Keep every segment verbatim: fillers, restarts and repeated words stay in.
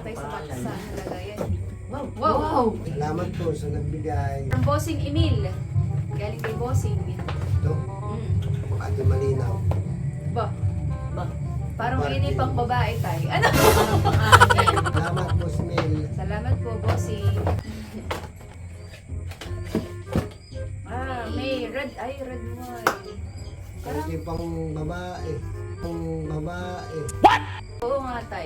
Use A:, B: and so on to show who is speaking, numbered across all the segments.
A: tayo sa bata sa nalagayan.
B: Wow!
A: Wow!
B: Wow!
C: Salamat po sa nagbigay.
A: From Bossing Emil. Galing kay Bossing.
C: Ito,
A: Mm.
C: Ate Malinaw.
A: Ba,
B: Ba?
A: parang
C: Party.
A: ini pang babae tayo. Ano?
C: Salamat po, Smil.
A: Salamat po, Bossing. Ah, may red, ay red wine. Parang,
C: Kasi pang babae. Pang babae.
A: oo nga tayo.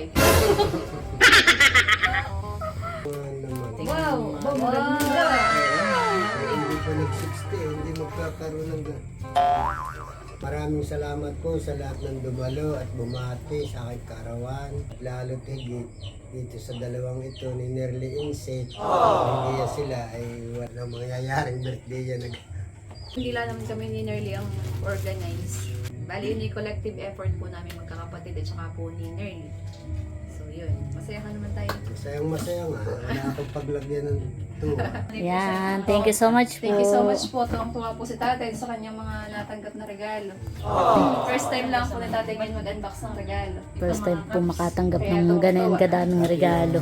C: Ano naman.
A: Wow!
B: Wow!
A: Maganda!
C: Hindi pa nag-sixty, hindi magkakaroon ng gan- Maraming salamat po sa lahat ng dumalo at bumati sa aking karawan. Lalo tigit dito sa dalawang ito ni Nerly Inset. Hindi yan sila ay walang mangyayaring birthday yan.
A: Hindi lang naman kami ni Nerly ang organize. Bali, yun yung collective effort po namin magkakapatid at saka po ni Nerly. So yun, masaya ka naman tayo.
C: Masayang masaya nga. Wala akong paglagyan ng tuwa.
D: Yan, thank you so much po.
A: Thank you so much po. Tuwang-tuwa po si tatay sa kanyang mga natanggap na regalo. First time lang po na tatay ngayon mag-unbox ng regalo.
D: First time po makatanggap
A: Kaya
D: ng
A: tuwang-tuwa.
D: ganyan kadaming regalo.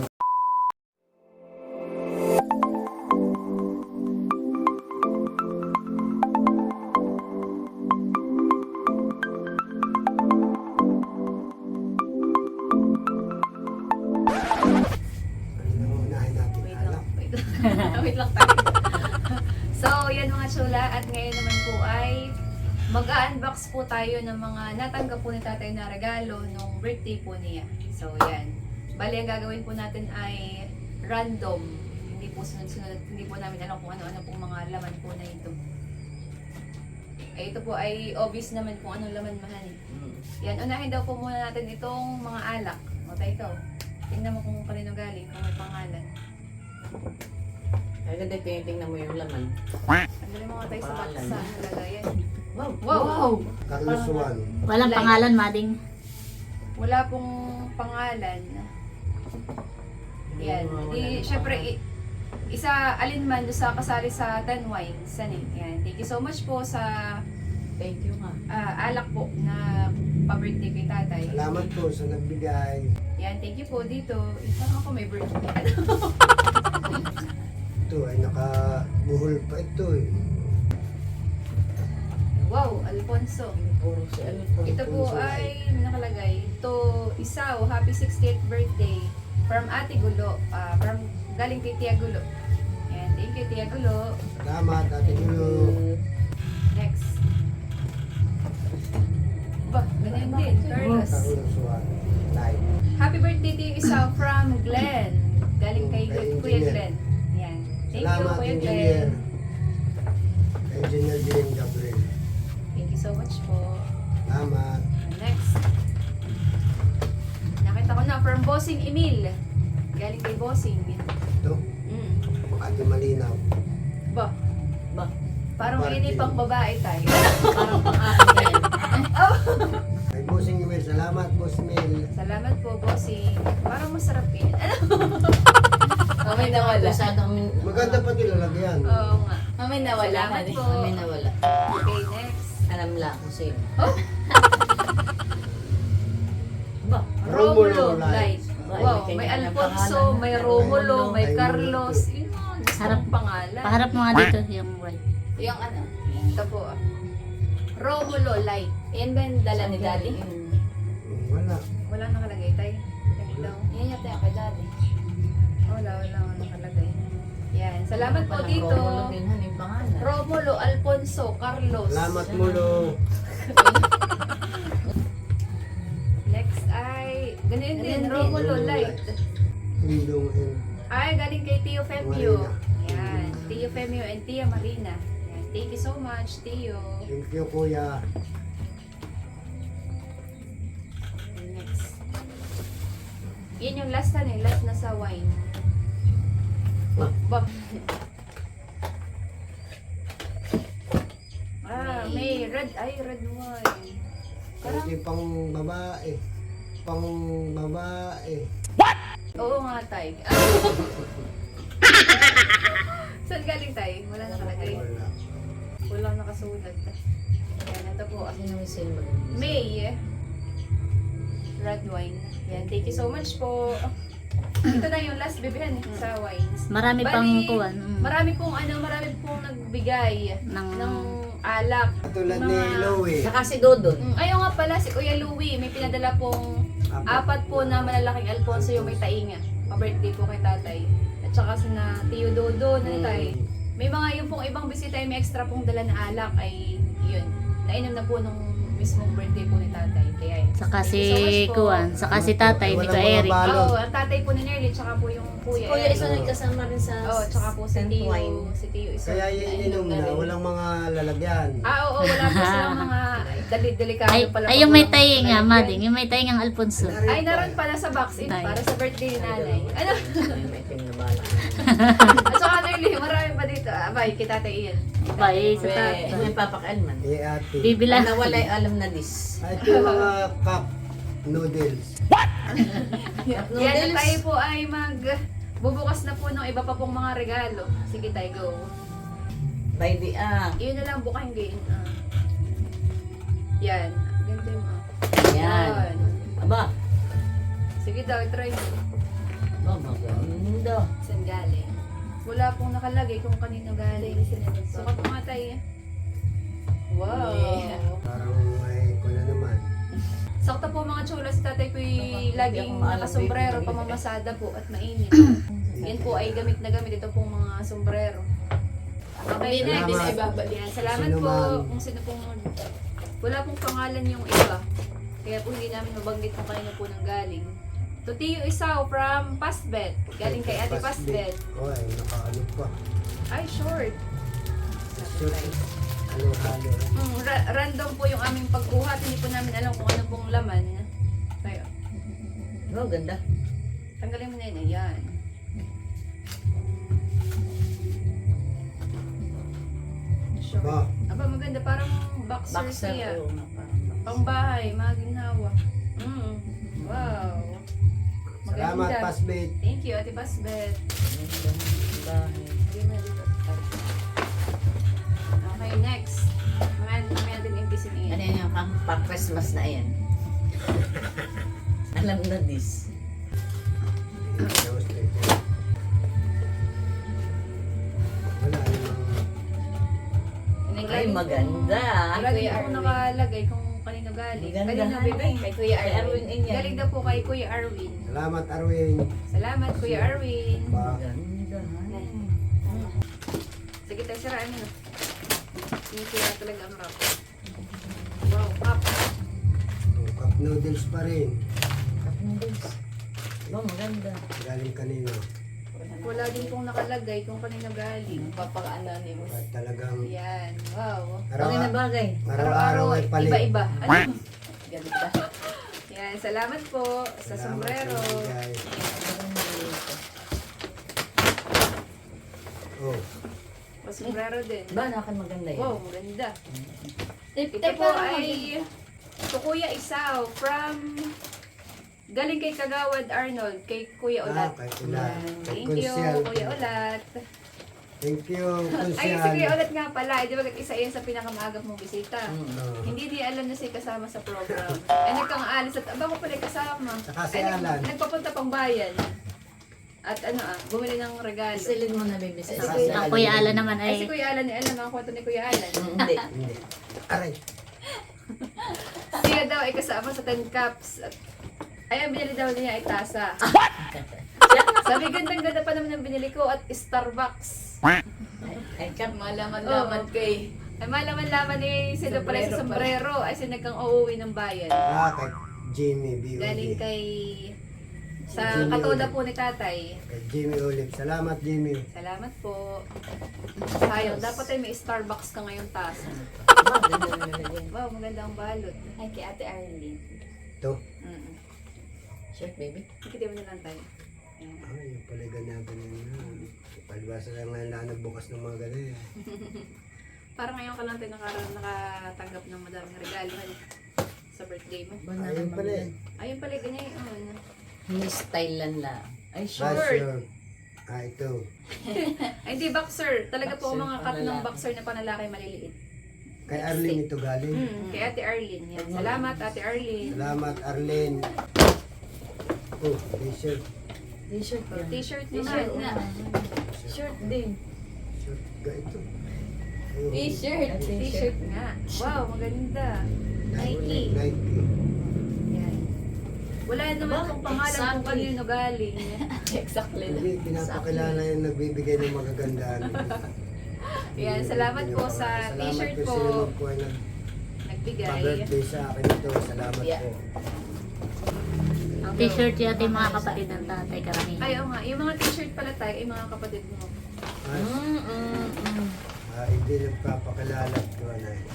C: Ano unahin natin?
A: Wait
C: Alak.
A: lang. Wait lang. Wait lang tayo. So, yan mga chula. At ngayon naman po ay mag-unbox po tayo ng mga natanggap po ni tatay na regalo nung birthday po niya. So, yan. Bali, ang gagawin po natin ay random. Hindi po sunod-sunod. Hindi po namin alam kung ano-ano pong mga laman po na ito. Eh, ito po ay obvious naman kung anong laman mahal. Yan, unahin daw po muna natin itong mga alak. O, tayo ito. Tingnan mo kung kanino galing, kung may pangalan.
B: Kaya ganda tinitingnan mo yung laman.
A: Tanggalin mo nga tayo sa box
B: Pangalan.
A: sa nalagayan.
B: Wow!
A: Wow!
C: Carlos Juan.
D: Walang
A: Like-
D: pangalan, Mading.
A: Wala pong pangalan. Yan. Di, syempre, i- isa alin man doon sa kasali sa Ten Wines. Yan eh. Yan. Thank you so much po sa
B: Thank you nga.
A: ah, alak po na pa-birthday kay tatay.
C: Salamat po sa nagbigay.
A: Yan. Thank you po dito. Isang ako may birthday.
C: Ito ay nakabuhol pa ito eh.
A: Wow, Alfonso.
B: Puro si ano po.
A: Ito po ay nakalagay. Ito, Isaw, happy sixtieth birthday from Ate Gulo. ah, from galing kay Tia Gulo. Yan, thank you Tia Gulo.
C: Salamat, Ate Gulo.
A: Next. Ba, ganyan din. Carlos.
C: Carlos Juan. Live.
A: Happy birthday to you, Isaw from Glenn. Galing kay
C: Kay
A: Kuya
C: Engineer.
A: Glenn. Yan. Thank you,
C: Salamat,
A: Kuya
C: Engineer.
A: Glenn.
C: Engineer Jane Gabriel.
A: Thank you so much po.
C: Salamat.
A: Next. Nakita ko na from Bossing Emil. Galing kay Bossing.
C: Ito,
A: Mm.
C: Ate Malinaw.
A: Ba,
B: Ba?
A: parang
C: Party.
A: ini pang babae tayo.
B: Parang pang-akin yan.
C: Kay Bossing Mel, salamat Boss Mel.
A: Salamat po, Bossing. Parang masarap yun.
B: Mamay nawala. Masyadong
C: Maganda pati lalagyan.
A: Oo nga.
B: Mamay nawala.
A: Salamat
B: honey.
A: po.
B: Mamay nawala.
A: Okay, next.
B: Alam lang kung sino.
A: Oh!
B: Ba?
A: Romulo
C: Romulo
A: Light.
C: Light.
A: Wow, may
B: Kanya-kanya
A: Alfonso,
B: pangalan.
A: may Romulo, may
C: May
A: Carlos. Yun mga gusto
D: Harap.
A: kong pangalan.
D: Paharap mo nga dito yung right.
B: Yung ano?
A: Ito po. ah. Romulo Light. Yan ba yung dala ni Daddy?
C: Wala.
A: Wala nakalagay tayo. Yan daw.
B: Yan yata yung kay Daddy.
A: Wala, wala nga nakalagay. Yan. Salamat po
B: Parang
A: dito.
B: Romulo din han yung pangalan.
A: Romulo, Alfonso, Carlos.
C: Salamat mulo.
A: Next ay, ganun din,
B: Ganun din.
A: Romulo Light.
C: Indong and
A: Ay, galing kay Tio Femio.
C: Marina.
A: Yan, Tio Femio and Tia Marina. Yan, thank you so much, Tio.
C: thank you kuya.
A: Next. Yan yung last na eh, last na sa wine.
B: Ba?
A: Ba? Ah, may red, ay red wine. Parang,
C: Kasi pang babae. Pang babae.
A: oo nga tay. Saan galing tay? Wala nakalagay.
C: Wala.
A: Wala nakasulat. Yan, ito po.
B: Sino may silver?
A: May red wine. Yan, thank you so much po. Ito na yung last bibihan eh, sa wines.
D: Marami
A: Bali,
D: pang kuwan. Mm.
A: Marami pong ano, marami pong nagbigay
D: Ng,
A: ng alak.
C: Tulad ni
A: Mga-
C: Louie.
B: Saka si Dodon.
A: Mm, ayun nga pala, si Kuya Louie, may pinadala pong apat po na malalaking Alfonso yung may tainga. Pa-birthday po kay tatay. At saka si na Tio Dodo na tay. May mga yung pong ibang bisita yung may extra pong dala na alak ay yun. Nainom na po nung mismong birthday po ni tatay. Kaya yun.
D: saka
A: Thank
D: si
A: you so much po.
D: kuwan, saka si tatay,
C: Walang
D: dito
C: mga
D: Eric.
C: balo.
A: Oo, ang tatay po ni Nerly, tsaka po yung kuya.
B: Kuya
A: Eric.
B: isa nagkasama rin sa
A: Oo, tsaka po si
B: Saint
A: Tio.
B: Wine.
A: Si Tio isa.
C: Kaya yun inom na, walang mga lalagyan.
A: Ah, oo, wala po silang mga dali- delikado
D: Ay,
A: pala.
D: ay
A: pag
D: yung may
A: walang
D: tayo nga,
A: lalagyan.
D: mading, yung may tayo ng Alfonso.
A: Ay, naroon pala sa box eh,
D: Ay.
A: para sa birthday ni nanay. Ano?
B: Ay, may ting na bala.
A: At saka Nerly, marami pa dito. Abay, kita tayo iyan.
D: Bye, sa
B: May,
D: tatay.
B: may papakailman.
C: Eh ate.
D: Bibila.
B: Na wala alam na dis.
C: Ay, ito yung mga cup noodles.
A: Yan na tayo po ay mag bubukas na po ng iba pa pong mga regalo. Sige tayo, go.
B: By the ah.
A: Iyon na lang bukahin gain. Ah. Yan. Ganda yung mga.
B: Yan. Aba.
A: Sige daw, try mo.
B: Oh, maganda.
A: Saan galing? Wala pong nakalagay kung kanino galing. Sukat mo nga tayo. Wow.
B: Yeah.
C: Parang may ko na naman.
A: Sakto po mga chula, si tatay po laging nakasombrero, pamamasada po at mainit. Yan po ay gamit na gamit. Ito pong mga sombrero. Okay,
C: Salamat.
A: next. Yan, salamat
C: Sino
A: po
C: man.
A: kung sino pong... Wala pong pangalan yung iba. Kaya po hindi namin mabanggit kung kanino po nang galing. To Tio Isaw from Pasbet. Galing kay Ate Pasbet.
C: Oh, ay, nakaano pa.
A: Ay, short.
C: Short. Ano, halo.
A: Hmm, ra- random po yung aming pagbuhat. Hindi po namin alam kung ano pong laman. Kaya,
B: Oh, ganda.
A: tanggalin mo na yun. Ayan. Short.
C: Ba,
A: Aba, maganda. Parang boxer,
B: Boxer
A: siya.
B: po. na parang boxer.
A: Pangbahay, mga ginhawa. Mm. Wow.
C: salamat
A: Maganda.
C: Pasbet.
A: Thank you, Ate Pasbet.
B: Ganda ng bahay.
A: Okay, next. Mamaya mamaya din impisin
B: Ano
A: iyan.
B: yan yung pang pa-Christmas na yan? Alam na dis.
C: Wala namang
B: Ay, maganda.
A: Lagi po nakalagay kung kanino galing.
B: Maganda,
A: Kanino
B: honey.
A: bibig? Kay Kuya
B: Kay
A: Arwin.
B: Arwin din yan.
A: Galing daw po kay Kuya Arwin.
C: salamat Arwin.
A: Salamat, Kuya Arwin.
C: Ba,
B: Maganda.
A: Sige tayo, siraan mo na. Sinisira talaga ang rap. Wow, cup.
C: oh, cup noodles pa rin.
B: Cup noodles. Oh, maganda.
C: Galing kanino.
A: Wala din pong nakalagay kung kanino galing.
B: Papaka-anonymous.
C: At talagang
A: Yan, wow.
B: Bagay na
C: araw-
B: bagay.
C: araw-araw ay palit.
A: iba-iba. Ano?
B: Ganda.
A: Yan, salamat po sa
C: Salamat
A: sombrero.
C: sa bigay. Oh,
A: Sa sombrero din.
B: Ba, nakan maganda yan.
A: Wow, maganda. Ito po ay to Kuya Isaw from galing kay Kagawad Arnold, kay Kuya
C: ah,
A: Ulat.
C: kay Ulat.
A: Yan.
C: Kay
A: Thank you,
C: Consiel.
A: Kuya Ulat.
C: Thank you,
A: Ay, si Kuya
C: Consiel.
A: Ulat nga pala. Eh, di ba isa yan sa pinakamaagap mong bisita?
B: Mm.
C: Oh.
A: Hindi niya alam na siya kasama sa program. Eh, nagkang alis at aba ko pala kasama.
C: Saka si
A: Ay, nag-
C: Alan.
A: Nagpapunta pang bayan. At ano ah, bumili ng regalo.
B: Isilid mo na bibisa.
C: Ay,
B: Isa
C: si
B: sa
D: Ang Kuya Ala naman
A: Ay, si
D: ay,
A: Kuya Alan, eh, alam ang kwento ni Kuya Alan.
B: Mm, Hindi.
C: Hindi. Aray.
A: Siya daw ay kasama sa ten cups. At, ay, ang binili daw niya ay tasa. Sabi, gandang-ganda pa naman ang binili ko at Starbucks.
B: Ay, cup.
A: Malaman-laman kay. Ay, malaman-laman eh, sila pala sa sombrero. Ay, sinagkang uuwi ng bayan.
C: Ah, kay Jimmy B.
A: Galing
C: Olive.
A: kay... Sa
C: Jimmy
A: katoda
C: Olive.
A: po ni tatay.
C: Kay Jimmy Olive. Salamat, Jimmy.
A: Salamat po. Sayang, dapat ay may Starbucks ka ngayong tasa.
B: Ah, ganda na nilagyan.
A: Wow, maganda ang balot.
B: Ay, kay Ate Arlene.
C: Ito.
A: Mm-mm.
B: Shirt, baby.
A: Ikitin mo na lang tayo. Ayan.
C: Ay, yung pala ganyan ganyan na. Palibasa lang ngayon lang nagbukas ng mga ganyan.
A: Parang ngayon ka lang tayo naka- nakatanggap ng madaming regalo ano, sa birthday mo.
B: Ba na
C: Ayun
B: naman
C: pala eh.
B: yan?
A: Ayun pala, ganyan yun.
B: Hindi style lang lang. Ay,
C: Ah,
B: short.
C: sure. Ah, ito.
A: Ay, hindi, boxer. Talaga po
B: Boxer,
A: mga cut ng
B: panlalaki.
A: boxer na panlalaki maliliit.
C: Kay Arlene ito galing.
A: Hmm, kay Ate Arlene. Yan. Salamat, Ate Arlene.
C: Salamat, Arlene. Oh, t-shirt.
B: T-shirt
A: Oh,
B: yan.
A: T-shirt
B: T-shirt
A: naman.
B: nga. Shirt din.
C: Short ga ito. Ayun.
B: T-shirt.
A: T-shirt nga. Wow, maganda. Nike.
C: Nike.
A: Yan. Wala naman
B: Aba,
A: kung pangalan kung
B: exactly.
A: kanino galing.
B: Exactly.
C: Hindi, pinapakilala yung nagbibigay ng magagandaan.
A: Yan, salamat po sa t-shirt
C: Salamat
A: po.
C: po sino po ay
A: Nagbigay.
C: nag-birthday sa akin ito. Salamat
B: Yeah.
C: po.
D: T-shirt yata yung mga kapatid ng tatay karamihan.
A: Ay, oo nga. Yung mga t-shirt pala tayo, ay mga kapatid mo.
C: Ah,
B: Mm, mm, mm.
C: ah, hindi nagpapakilala ko na eh.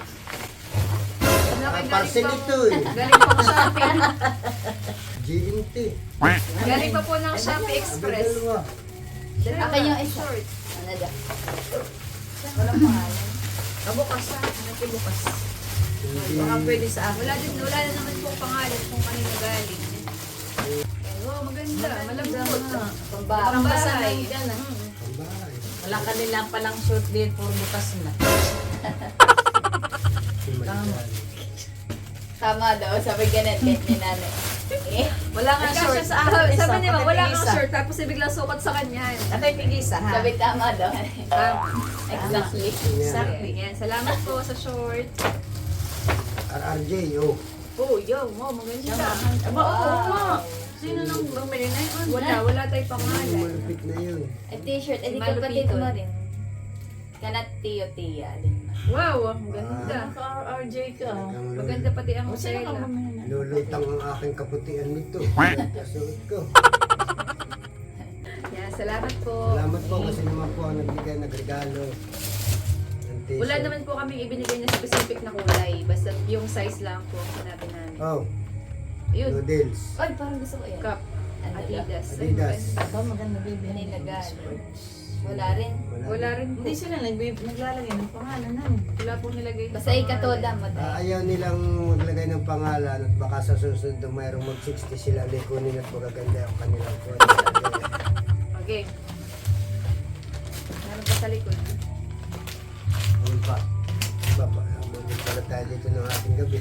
A: Ano
C: Ah,
A: kay
C: parcel
A: galing
C: ito
A: pang,
C: eh.
A: galing pang shopping.
C: G M T.
A: Galing pa po ng Shopee
C: Abay,
A: Express.
C: dalawa.
B: Akin yung isa.
A: Short.
B: Ano da? Walang pangalan. Kabukas ha. Nakibukas.
C: Hindi.
B: Baka pwede sa akin.
A: Wala din, wala na naman po pangalan kung kanino galing. Oh, maganda. Malambot.
B: Pambahay.
A: Pambahay.
B: Dyan, ah.
A: Mm.
C: Pambahay.
B: Wala kanila palang short din. Puro bukas na.
C: Si Marigal.
E: Tama daw, sabi ganun kahit ni nanay. Eh,
A: Wala nga
B: Ay,
A: short.
B: kasya sa akin,
A: Sabi,
B: isa,
A: sabi niya,
B: pati
A: wala
B: isa.
A: kang short. Tapos biglang sukat sa kanya.
B: Atay pigisa ha.
E: sabi tama daw.
A: Tama.
E: Exactly.
C: Yan.
B: Exactly.
A: Yan. Salamat po sa short.
C: R R J, oh.
A: Oh, yo. Wow, maganda.
B: Aba, oo nga. Sino nang bumili na yun?
A: Wala, wala tayong
C: Yung
A: pangalan.
C: malupit na yun.
E: At t-shirt, edi
A: Malupito.
E: kapatid mo rin. Kanat tiyo tiya din.
A: Wow, ang ganda.
B: Naka-R J ka.
C: Talagang
A: Maganda pati ang
B: O, sino ka
A: tela.
B: bumili na?
C: lulutang ang aking kaputian nito. Kasuot ko.
A: Yan, salamat po.
C: Salamat po kasi naman po ang nagbigay nagregalo. ng t-shirt.
A: Wala naman po kami ibinigay na specific na kulay. Basta yung size lang po ang sinabi namin.
C: Oh,
A: Yun,
C: noodles.
E: Ay, parang gusto ko yan.
A: cup.
E: Ano daw?
A: Adidas.
C: Adidas.
B: Aba, maganda baby.
E: Kanina galing. Wala rin.
A: Wala rin po.
B: Hindi sila nagbi- naglalagay ng pangalan namin.
A: Wala pong nilagay. na
E: Basta ikatoda mo
C: Ah,
E: tayo.
C: ayaw nilang maglagay ng pangalan at baka sa susunod na mayroong mag sixty sila likunin at magaganda ang kanilang phone.
A: Okay. Meron pa sa likod.
C: Ano pa? Baba, mabit pala tayo dito ng ating gabi.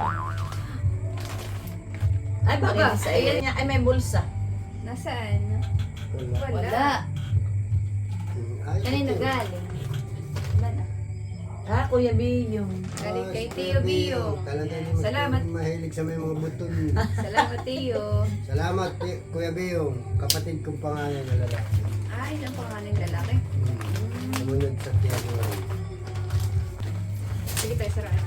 B: Ay,
A: Aba,
B: bakit sa
A: ayan.
B: niya? Ay, may bulsa.
A: Nasaan?
C: Wala.
A: Wala.
E: Wala.
C: Hmm, ayos
E: Kanina
C: ito.
E: galing. Wala na.
B: Ah, Kuya Biyong.
A: Galing
C: Ah,
A: kay
C: si
A: Tio Bio.
C: Talaga naman
A: Salamat.
C: kayo mahilig sa may mga buton.
A: Salamat, Tio.
C: Salamat, Ti- Kuya Biyong. Kapatid kong pangalan na lalaki.
A: Ay, ang pangalan lalaki.
C: Hmm. Sumunod sa piano.
A: Sige tayo, saraan.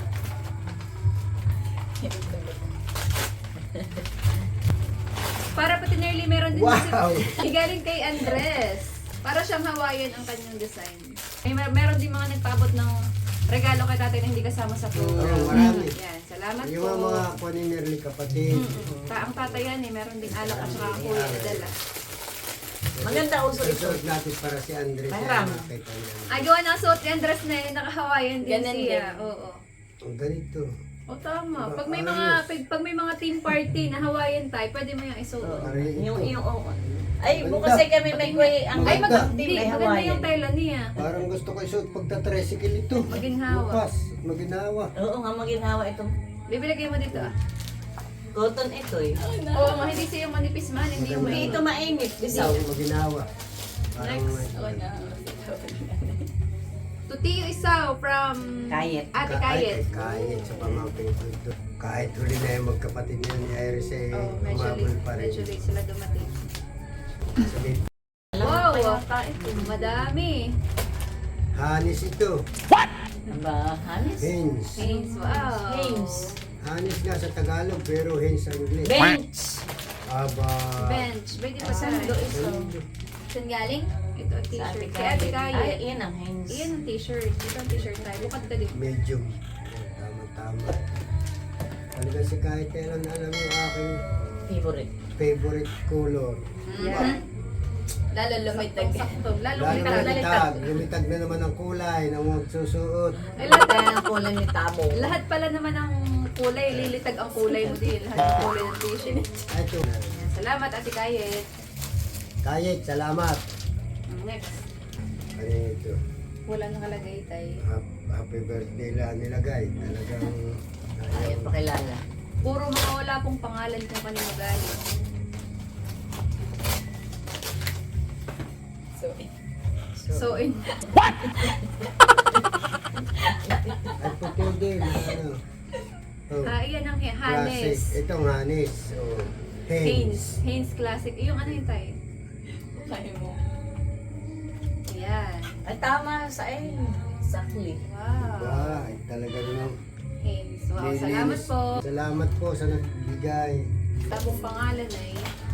A: Para pati nearly meron din
C: Wow!
A: si galing kay Andres. Para siyang Hawaiian ang kanyang design. May mer- meron din mga nagpaabot ng regalo kay tatay na hindi kasama sa program.
C: Oo, marami.
A: Yan, salamat
C: Yung
A: po.
C: mga mga paninirli kapatid.
A: Ta ang tatay yan eh, meron din alak at saka kuya na dala.
B: Maganda uso ito.
C: Susunod natin para si Andres.
B: Mahram.
C: na nakita niya.
A: Ay, gawa ng suot ni Andres na eh, naka-Hawaiian din
E: Ganun
A: siya.
E: din.
A: Oo.
C: Ang ganito.
A: O tama. Pag may
C: Ayos.
A: mga pag, pag may mga team party na Hawaiian tie, pwede mo yung isuot.
C: Para ito.
B: Yung, yung, oh. Ay,
C: Maganda.
B: bukas ay kami may kuya. Ang
A: Ay,
C: Maganda.
A: mag hindi,
B: May
A: maganda
B: Hawaiian.
A: yung tela niya.
C: Parang gusto ko isuot pagta-tricycle ito.
A: Maginhawa.
C: Bukas. at Maginawa.
B: Oo nga, maginawa ito.
A: Bibilagay mo dito ah.
B: Cotton ito eh.
A: Oo, oh, hindi siya yung manipis man, hindi yung
B: Hindi ito mainit. Bisaw.
C: Maginawa. Parang
A: Next.
E: Oo na.
A: Tutiyo Isaw from
B: Kayet.
A: Ate
C: Ka-
A: Kayet.
C: Ay, Kayet sa pamangkin ko ito. Kahit huli na yung magkapatid niya ni Iris eh,
A: Oh, medyo
C: umabol
A: late,
C: pa rin.
A: medyo late sila dumating.
C: Sabi,
A: Wow, madami.
C: Hanis ito.
B: Aba, hanis.
C: Hens.
A: Haynes, wow.
B: Haynes.
C: Hanis nga sa Tagalog pero hens sa English.
B: Bench.
C: Aba.
A: Bench, pwede pa sa
B: Sando ito.
E: Saan galing?
A: Ito ang
B: Sa
A: t-shirt.
B: Ate
A: Kay Ate
B: Kayet. Ay,
A: Kayet.
B: iyan ang Haynes.
A: Iyan ang t-shirt. Ito ang t-shirt tayo. Bukad ka dito.
C: Medium. Tama-tama. Talaga si kahit kailan alam yung aking
B: Favorite.
C: favorite color.
A: Yan.
E: Lalo lumitag.
A: Sakto. Lalo
C: Lalo
A: kita.
C: na litag. Lumitag na naman ang kulay ng magsusuot.
A: Ay, lahat,
B: Kaya ang kulay ni Tabo.
A: lahat pala naman ng kulay. Lilitag ang kulay mo din. Lahat ng kulay ng t-shirt.
C: Ay, ito.
A: Yan. Salamat Ate Kayet.
C: Kayet, salamat.
A: Next.
C: Ano ito?
A: Wala nakalagay tayo.
C: Hap- Happy birthday lang nilagay. Talagang
B: Ayan, pakilala.
A: Puro mga wala pong pangalan kung kanino galing. So, in,
C: At puti din, ano. Oh,
A: ah, iyan ang
C: classic.
A: Hanes.
C: Itong Hanes. Oh,
A: Hanes.
C: Hanes.
A: Hanes Classic. Yung ano yung tayo?
E: Kaya mo.
A: Ayan.
B: Ay, tama sa eh. Sakli.
A: Wow.
C: Wow, ay talaga naman.
A: Hanes. Wow,
C: Linis.
A: salamat po.
C: Salamat po sa nagbigay.
A: Tapong pangalan ay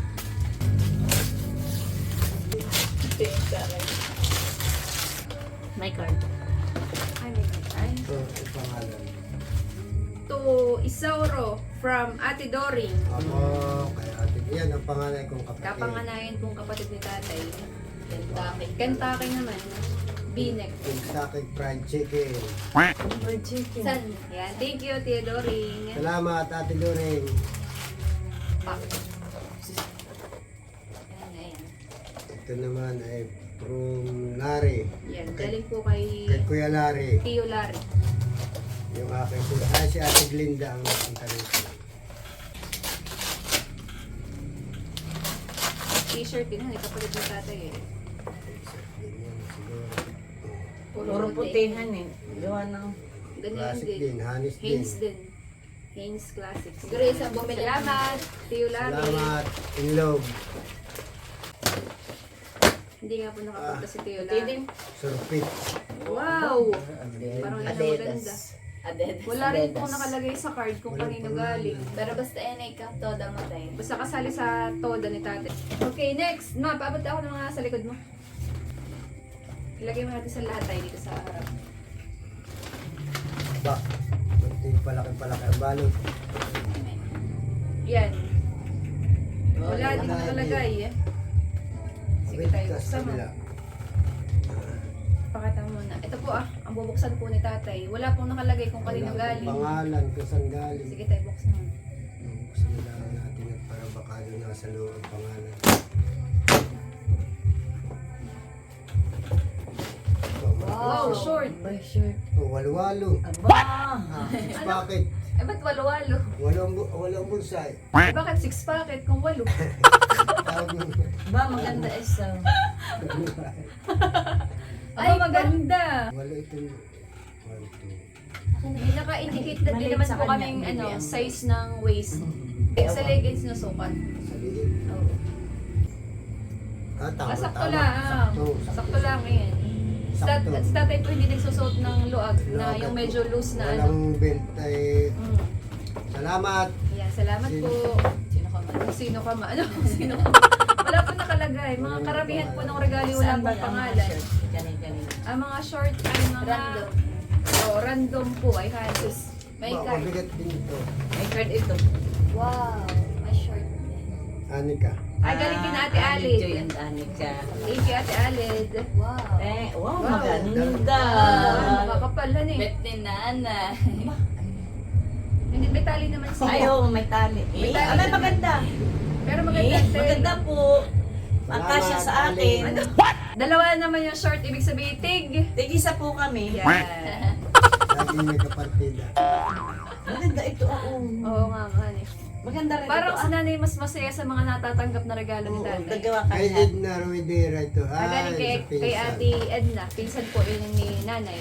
D: May card.
A: ay, may ay.
C: Ito, ang pangalan.
A: To Isauro from Ate Doring.
C: Ako, kaya atin. Yan ang pangalan kong kapatid.
A: Kapanganayan kong kapatid ni tatay.
E: Kentucky.
A: Kentucky naman. Binek.
C: Kentucky Fried Chicken.
B: Fried chicken.
A: San? Yan. Thank you, Tia Doring.
C: Salamat, Ate Doring.
A: Pa. Ayan, ayan.
C: Ito naman ay from Larry.
A: Yan. Galing po kay
C: Kay Kuya Larry.
A: Tio Larry.
C: Yung aking kuya. Ah, si Ate Glinda ang napunta rito.
A: T-shirt din. Hani, kapatid ni tatay eh.
C: Ganyan, siguro.
B: Puro putihan eh. Gawa ng...
A: Ganyan
C: Classic
A: din.
C: din, Hanes din.
A: Haynes din. Haynes Classic.
E: Siguro isang bumili.
A: Salamat, Tio Larry.
C: Salamat, Inlog.
A: Hindi nga po nakapunta si Tio
B: Puti din.
A: Larry.
C: Surpit.
A: Wow! Parang yan ang maganda.
E: Adidas. Adidas.
A: Wala rin pong nakalagay sa card kung
C: Walang
A: kanino
C: pangalan.
A: galing.
E: Pero basta yan ay katoda mo tayo.
A: Basta kasali sa toda ni tate. Okay, next. Ma, paabot ako ng mga sa likod mo. Ilagay mo natin sa lahat tayo dito sa harap.
C: Ba, hindi palaki-palaki ang balot.
A: Yan. Wala
C: Wala
A: din
C: na,
A: nakalagay. eh. Sige
C: Wait,
A: tayo,
C: kas
A: buksan mo.
C: kabila.
A: Pakita mo muna. Ito po ah, ang bubuksan po ni tatay. Wala pong nakalagay kung kanino
C: Wala
A: galing.
C: akong pangalan, kung saan galing.
A: Sige tayo, buksan mo.
C: Buksan na lang natin at para baka doon nasa loob ang pangalan. Ito,
A: Wow,
C: mga-
A: short.
B: By shirt.
C: Oh, walo-walo.
B: Aba!
C: Ah, six packet.
A: Eh, ba't walo-walo?
C: Walong, bu- walong bulsay.
A: Eh, bakit six packet kung walo?
C: Tawag mo.
B: Ba, maganda isa.
A: Ay, maganda.
C: Walo itong one, two.
A: Hindi naka-indicate na din
B: Maliit
A: naman
B: sa
A: po
B: kanya,
A: kaming
B: hindi
A: ano,
B: yan.
A: size ng waist. Sa leggings na sukat.
C: Sa liit.
A: Oo.
C: Ah, tama,
A: Ah, sakto
C: tama.
A: lang.
C: Sakto.
A: Sakto lang yan. Si tat-
C: Sakto.
A: si tatay po hindi nagsusuot ng luag na
C: Luag
A: yung
C: at
A: medyo loose na ano.
C: Walang belt ay
A: Mm.
C: salamat.
A: Yan, salamat
C: Sino?
A: po.
E: Sino ka man?
A: Kung sino ka ma. Ano? Kung sino ka ma. Wala po nakalagay. Mga karamihan po ng regalo wala
B: Saan ba
A: pong
B: ang
A: pangalan.
B: shirt? Ganun-ganun.
A: Ang mga short ay mga
E: Random.
A: Oh, random po ay halos. May
C: Ba,
A: card.
C: mabigat din ito.
B: May card ito.
E: Wow. May short din.
C: Anika.
A: Ay, galing din Ate
B: Ah,
A: Alid.
B: Joy and Anika.
A: Thank you, Ate Alid.
E: Wow.
B: Eh, wow,
A: Wow.
B: maganda.
A: Ah, makakapalan eh.
E: Bet ni Nana.
A: Hindi, may tali naman siya.
B: Ay, oo, may tali.
A: May
B: Eh,
A: tali.
B: abay, maganda.
A: Pero
B: Eh,
A: maganda. Ate.
B: maganda po. Pagkasya sa
C: Salamat,
B: akin.
A: Ano? Dalawa naman yung short, ibig sabihin tig.
B: Tigisa po kami.
A: Yan.
C: Lagi may kapartida.
B: Maganda ito, oo.
A: Oo nga, man eh.
B: Maganda rin
A: Parang
B: ito.
A: si nanay mas masaya sa mga natatanggap na regalo ni
B: Oo,
A: tatay.
B: nagawa
C: Kay
B: kami.
C: Edna Ruidera ito.
A: Ah, galing
C: Ay,
A: kay,
C: sa
A: kay
C: pinsan.
A: Ate Edna. Pinsan po yun ni nanay.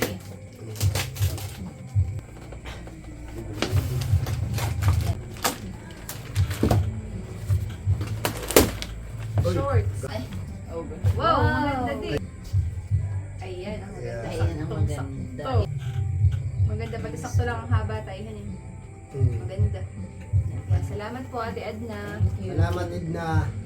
C: Uy,
A: Shorts.
E: Ay. Over.
A: Wow,
B: Wow.
A: maganda din. Ayan, ang maganda.
C: Yeah.
B: Ayan ang
A: Saktong
B: maganda.
A: sakto. Maganda, pati sakto lang ang haba tayo. Hanin.
C: mm.
A: Maganda. Yan, salamat po Ate Edna.
C: Salamat, Edna.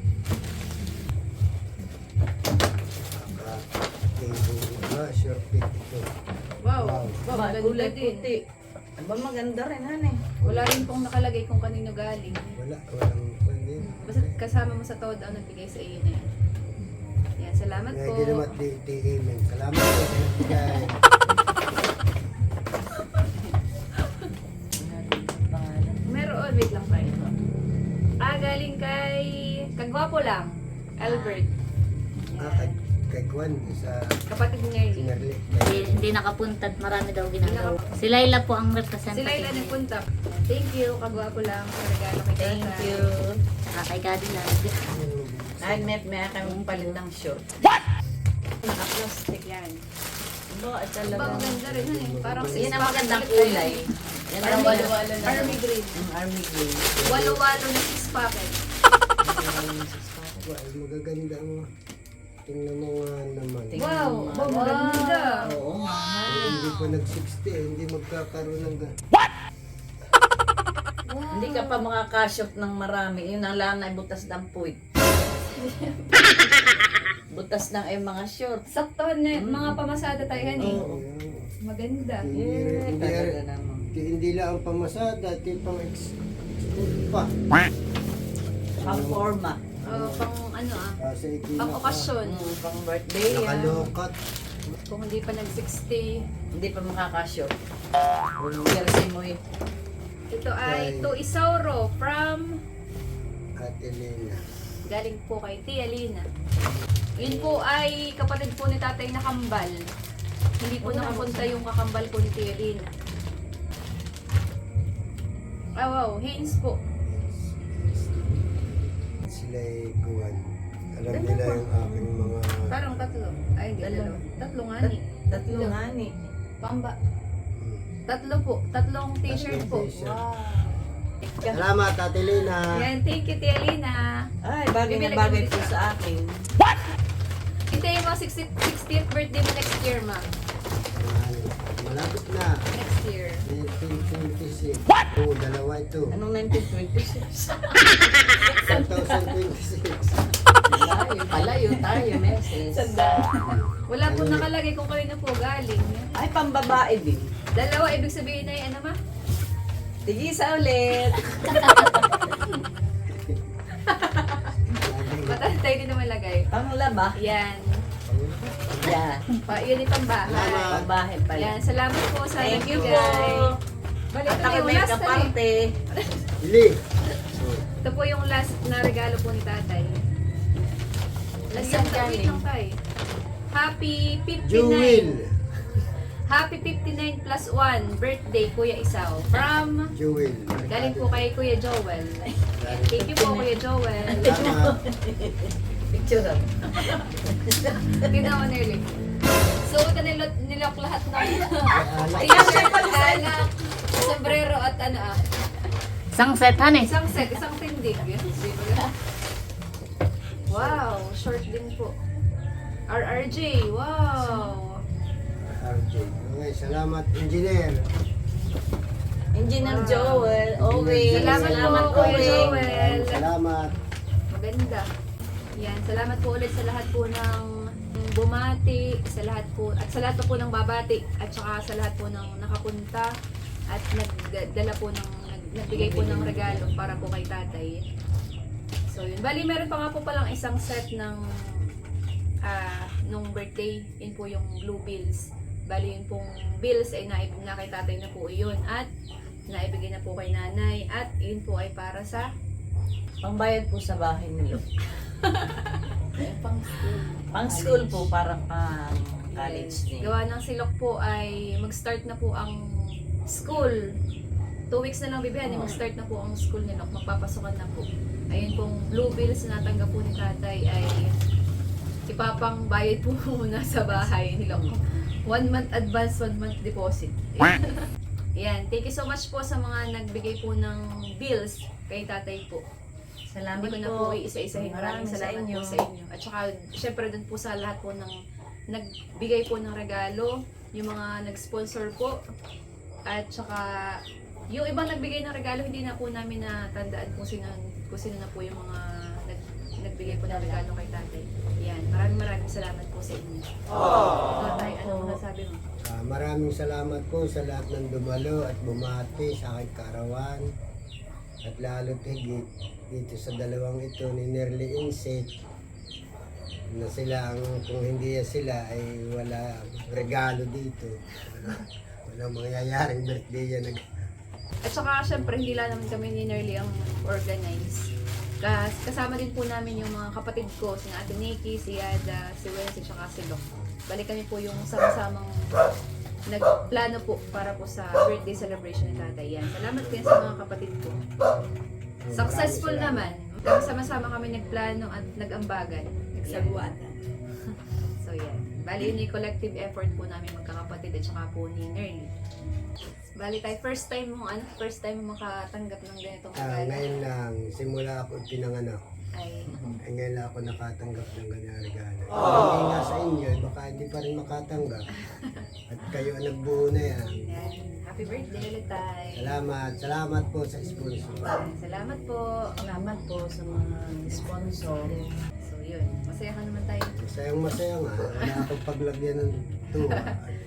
C: Ah, sure fit ito.
A: Wow,
C: Wow.
A: wow,
B: Ba,
A: maganda
B: kulay
A: din.
B: puti. Aba, maganda rin, hane.
A: Wala rin pong nakalagay kung kanino galing.
C: Wala, walang pwede.
A: Basta kasama mo sa todo ang nagbigay sa iyo na yan. Yan, salamat
C: May
A: po.
C: ginamat di di amen. Salamat po sa nagbigay.
A: Meron, wait lang tayo. Ah, galing kay Kagwapo lang, Albert.
C: Ah, kay, kay Kwan, sa
A: Kapatid niya yun.
C: Sinarli.
D: Hindi, hindi nakapunta at marami daw ginagawa. Si Laila po ang representative.
A: Sila ilan nagpunta. Thank you, Kagwapo lang, sa regalo kay
B: Thank
A: tatay.
B: you.
D: Ah, kay Cadillac.
B: Ay, may, may kami palit ng short. What? plastic.
A: Yan.
B: Ba, at
A: Ba,
B: talaga.
A: maganda rin yun eh. Parang
B: Yan ang
A: six-pack
B: magandang
A: ulit tayo
B: kulay.
A: eh.
B: Yan
E: Parang
B: ang
E: walo-walo na.
A: Army green.
B: Ang army green.
A: Walo-walo na six packet.
C: Wow, magaganda mo. Tingnan mo nga naman.
B: Tingnan
A: Wow,
B: mo
A: ba,
B: nga.
A: maganda.
B: Oo nga.
C: Kung hindi pa nag-sixty, eh, hindi magkakaroon ng ga-
B: Hindi ka pa makakashop ng marami. Yun ang lang ay butas ng puwit. Butas ng ay mga short.
A: Sakto na, mga pamasada tayo yan eh.
B: Oo.
A: Maganda.
C: Hindi,
B: Eh,
C: hindi,
B: talaga naman.
C: hindi, hindi lang ang pamasada, ito yung pang ex pa.
B: Pang forma.
A: Oh, pang ano ah,
C: Kasi ito
A: pang okasyon.
B: Mm, pang birthday. ah.
C: Nakalokat.
A: Kung hindi pa nag-sixty.
B: Hindi pa makakashop. Jersey mo eh.
A: Ito ay To Isauro from,
C: At Elena.
A: galing po kay Tia Lina. Yun po ay kapatid po ni tatay na kambal. Hindi po nakapunta yung kakambal po ni Tia Lina. Ah wow, Haynes po.
C: Sila ay kuwan. Alam nila yung aking mga...
A: Parang tatlo. Ay hindi,
B: Dalawa.
A: dalawa. Tatlo nga ni.
B: Tatlo nga ni.
A: Pamba.
C: Hmm.
A: Tatlo po. Tatlong t-shirt po.
C: Tatlong t-shirt.
A: Wow.
C: Salamat, Ate Lina.
A: Yan, thank you Tia Lina.
B: Ay, bagay na
A: Bibili
B: bagay
A: ko
B: po
A: isa.
B: sa akin.
A: Hintayin mo sixtieth, sixtieth birthday mo next year, ma.
C: Ay, malapit na.
A: Next year.
C: nineteen twenty-six. Oo, dalawa ito.
B: Anong nineteen twenty-six?
C: twenty twenty-six.
B: Layo, palayo tayo, meses.
A: Wala po nakalagay kung kanino po galing.
B: Ay, pambabae din.
A: Dalawa, ibig sabihin ay ano ma?
B: Tigisa ulit.
A: Matantay din naman lagay.
B: Panglaba.
A: Yan.
B: Yan.
A: Pa, yun itong bahay.
C: Salamat.
B: Pambahay pala.
A: Yan, salamat po sa
B: Thank you po.
A: nagbigay. Bali,
B: At
A: ito na
B: ako
A: yung
B: may
A: last na eh.
B: kaparte.
C: Ili.
A: Ito po yung last na regalo po ni tatay. Last
B: Saan
A: yung wait
B: galing?
A: lang tayo. Happy fifty-nine.
C: Jewel.
A: Happy fifty-nine plus one birthday, Kuya Isaw. From,
C: Jewel.
A: galing po kay Kuya Joel. Thank you po, Kuya Joel.
C: Salamat.
B: Picture up.
A: Tingnan mo, Nerly. So, ito nilok, nilok lahat ng
C: Alak.
A: t-shirt, alak, sombrero at ano ah.
D: Isang set, han eh.
A: Isang set, isang tindig. Di ba? Wow, short din po. R R J, wow.
C: R J. Okay, salamat, engineer.
B: Engineer
A: Wow.
B: Joel, always.
A: Salamat po,
B: Salamat
A: Kuya
B: always.
A: Joel.
C: Salamat.
A: Maganda. Yan, salamat po ulit sa lahat po ng bumati, sa lahat po, at sa lahat po ng babati, at saka sa lahat po ng nakapunta, at nagdala po ng, nag- nagbigay po ng regalo para po kay tatay. So yun, bali meron pa nga po palang isang set ng ah, nung birthday, yun po yung blue bills. Bali yun pong bills ay naib na kay tatay na po yun, at naibigay na po kay nanay, at yun po ay para sa
B: Pangbayad po sa bahay nilo.
E: Pang school.
B: Pang school po, parang pang college din.
A: Gawa ng silok po ay mag-start na po ang school. Two weeks na lang bibihan, eh, mag-start na po ang school ni Lok. Magpapasukan na po. Ayun pong blue bills na natanggap po ni tatay ay ipapang bayad po muna sa bahay ni Lok. One month advance, one month deposit. Yan. Thank you so much po sa mga nagbigay po ng bills kay tatay po.
B: Salamat
A: Hindi ko na
B: po.
A: po isa-isahin. Maraming salamat po sa inyo. At saka, syempre dun po sa lahat po ng nagbigay po ng regalo, yung mga nag-sponsor po, at saka yung ibang nagbigay ng regalo, hindi na po namin natandaan kung sino, kung sino na po yung mga nag, nagbigay po ng regalo kay tatay. Yan. Maraming maraming salamat po sa inyo. Tatay, ano masasabi mo?
C: Ah, maraming salamat po sa lahat ng dumalo at bumati sa aking karawan. At lalo higit dito sa dalawang ito ni Nerly Inset na sila ang, kung hindi sila ay wala regalo dito. Wala, walang mangyayaring birthday yan.
A: At saka, syempre, hindi lang naman kami ni Nerly ang organize. Kas kasama din po namin yung mga kapatid ko, si Ate Nikki, si Yada, si Wency, at saka si Doc. Balik kami po yung sama-samang nagplano po para po sa birthday celebration ni tatay. Yan. Salamat din sa mga kapatid ko. Successful naman. Sama-sama kami nagplano at nag-ambagan. Nagsagwatan. So yan. Bali yun yung collective effort po namin magkakapatid at saka po ni Nerly. Bali tayo, first time mo, ano, first time mo makatanggap ng ganitong
C: Ah,
A: regalo
C: ngayon lang, simula ako pinanganak,
A: ay
C: ay ngayon lang ako nakatanggap ng ganyan regalo. Hindi nga sa inyo, baka hindi pa rin makatanggap. At kayo ang nagbuo na yan.
A: yan. Happy birthday ulit tayo.
C: Salamat, salamat po sa sponsor.
A: Salamat po.
B: Salamat po sa mga sponsor.
A: So yun, masaya ka naman tayo.
C: Masayang masaya nga, wala akong paglagyan ng tuwa.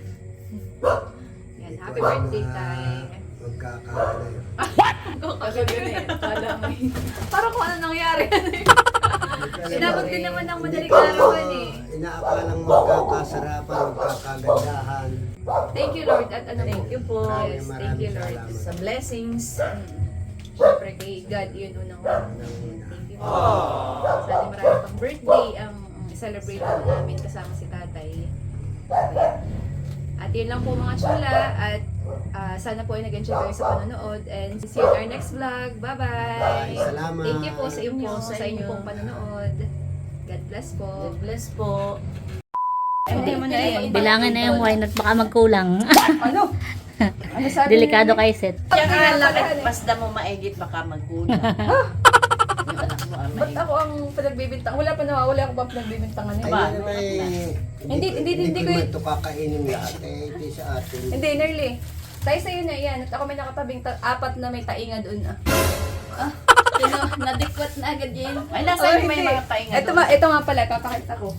A: Yan,
C: Ito
A: happy
C: ang
A: birthday
C: mga
A: tayo.
C: Magkakaala.
A: Agad yun eh. Kala mo yun. Parang kung ano nangyari. Inabot din naman ng madaling arawan eh.
C: Inaakalang magkakasarapan, magkakagandahan.
A: Thank you Lord at ano
B: Thank you po.
C: Maraming
A: Yes, thank
C: maraming
A: you Lord.
C: salamat.
B: Sa blessings.
A: Siyempre kay God yun unang thank you po. Sana marami pang birthday ang celebrate po namin kasama si tatay. So, yan. At yun lang po mga chula at ah, sana po ay nag-enjoy kayo sa panonood and see you in our next vlog. Bye-bye!
C: Bye. Salamat.
A: Thank you po sa inyo,
B: Thank you
A: sa,
B: sa
A: inyo
B: inyo.
A: pong panonood. God bless po.
B: God bless po.
A: Hindi mo na eh.
D: Bilangin na yung wine at baka magkulang.
A: Ano? Ano sabi
D: Delikado
A: niya?
D: kay Seth.
B: Yung alakit, basta mo maigit, baka magkulang. Yung anak mo ang
A: Ba't
B: maigit.
A: ako ang pinagbibintang? Wala pa naman, wala ako ba pinagbibintangan
C: Ay,
A: niya?
B: Ba?
C: yan may...
A: Hindi- hindi- hindi
C: ko
A: ko
C: naman
A: yun-
C: ito kakainin lahat. Eh, ito sa atin.
A: Hindi, Nerly. Tayo sa'yo na yan. At ako may nakatabing ta- apat na may tainga doon ah.
E: Sino, nadikwat na agad yun.
B: Ay, nasa
A: Oh,
B: may
A: hindi.
B: mga tainga
A: Ito,
B: doon.
A: ma- ito nga pala, papakita ko.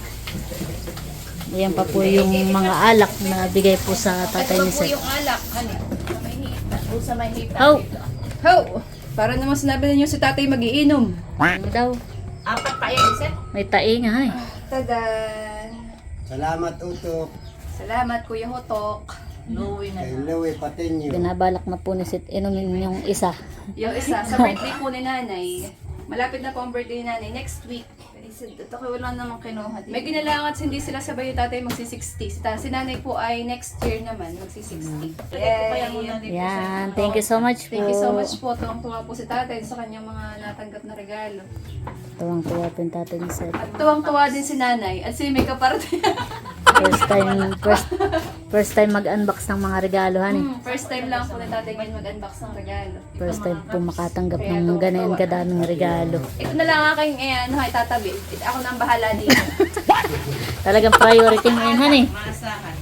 D: Ayan pa po yung mga alak na bigay po sa tatay
A: Ito
D: ni
A: po
D: Seth.
A: yung alak. Ano? Sa may hita.
B: O sa may hita.
D: Oh!
A: How? Para naman sinabi ninyo si tatay magiinom.
D: Ano daw?
B: Apat pa yan, Seth.
D: May tainga eh.
A: Tada!
C: Salamat, Utok.
A: Salamat, Kuya Hotok.
B: Louie na
C: Kay
B: na.
C: Louie Patenyo.
D: Binabalak na po ni Seth inumin yung isa.
A: Yung isa, sa birthday po ni nanay. Malapit na po ang birthday ni nanay. Next week.
E: Ito ko wala namang kinuha dito.
A: May ginalangan hindi sila sabay yung tatay magsi-sixty. Si ta- Si nanay po ay next year naman magsi-sixty.
B: Kaya muna dito sa...
D: Yan. Thank you so much po.
A: Thank you so much po. Tuwang-tuwa po si tatay sa kanyang mga natanggap na regalo.
D: Tuwang-tuwa po yung tatay ni Seth.
A: At tuwang-tuwa din si nanay at si may kaparte.
D: First time, first, first time mag-unbox ng mga regalo, honey.
A: Hmm, first time lang po ni tatay ngayon mag-unbox ng regalo.
D: First time po makatanggap ng ganyan kadaming regalo.
A: Ito na lang aking eh, ano, ay tatabi. Ito, ako na ang bahala dito.
D: Talagang priority mo yun, honey.
B: Maasahan.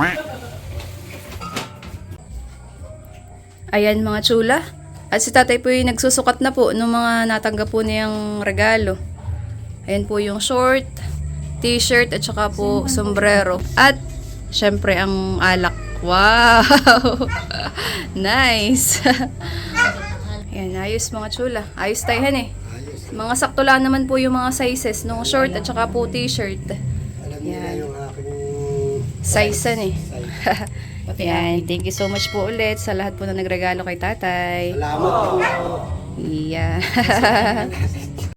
A: Ayan mga chula. At si tatay po yung nagsusukat na po ng mga natanggap po niyang regalo. Ayan po yung short, t-shirt at saka po sombrero. At syempre ang alak. Wow! Nice! Ayan, ayos mga chula. Ayos tayo eh.
C: Ayos.
A: Mga sakto lang naman po yung mga sizes ng short at saka po t-shirt.
C: Alam niyo na yung aking
A: Size eh.
C: size.
A: Ayan, thank you so much po ulit sa lahat po na nagregalo kay tatay.
C: Salamat po.
A: Yeah.